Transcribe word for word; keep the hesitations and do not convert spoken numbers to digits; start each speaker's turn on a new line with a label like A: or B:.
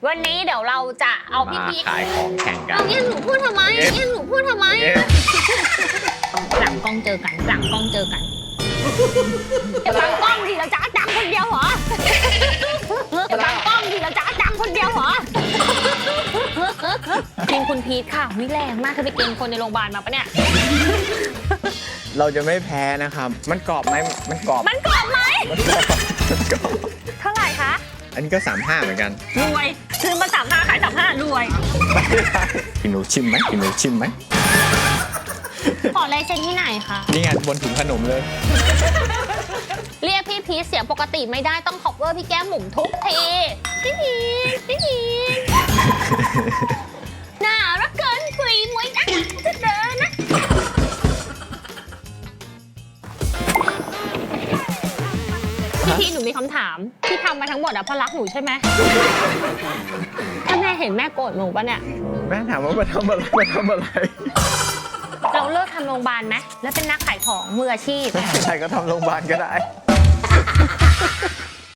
A: วันนี้เดี๋ยวเราจะเอาพี่
B: มา
A: พีช
B: ขายของแข่งกัน
A: เอาเนี่ยหนูพูดทำไมเนี่ยหนูพูดทำไมหลังกล้องเจอกันหลังกล้องเจอกันอย่าบังกล้องดิเราจะดังคนเดียวเหรออย่าบังกล้องดิเราจะดังคนเดียวเหรอกินคุณพีทค่ะวิแรงมากคือไปกินคนในโรงพยาบาลมาปะเนี่ย
B: เราจะไม่แพ้นะครับ มันกรอบไหมมันกรอบ
A: มันกรอบไหม
B: มันกรอบมันกรอบ
A: เท่าไหร่คะ
B: อันนี้ก็สามห้าเหมือนกัน
A: รวยซื้อมาสามห้าขายสามห้ารวย
B: กินหนูชิมไหมกินหนูชิมไหม
A: ขอลายเซ็นที่ไหนคะ
B: นี่ไงบนถุงขนมเลย
A: เรียกพี่พีชเสียงปกติไม่ได้ต้อง cover พี่แก้มหมุมทุกทีพี่พีชพี่พีชน่ารักเกินคุยมวยนะจะเดินนะพี่พีชหนูมีคำถามที่ทำมาทั้งหมดอะเพราะรักหนูใช่ไหมถ้าแม่เห็นแม่โกรธหนูปะเนี่ย
B: แม่ถามว่ามาทำอะไรมาทำอะไร
A: เราเลิกทำโรงพยาบาลไหมแล้วเป็นนักขายของมืออาชีพ
B: ใครก็ทำโรงพยาบาลก็ได้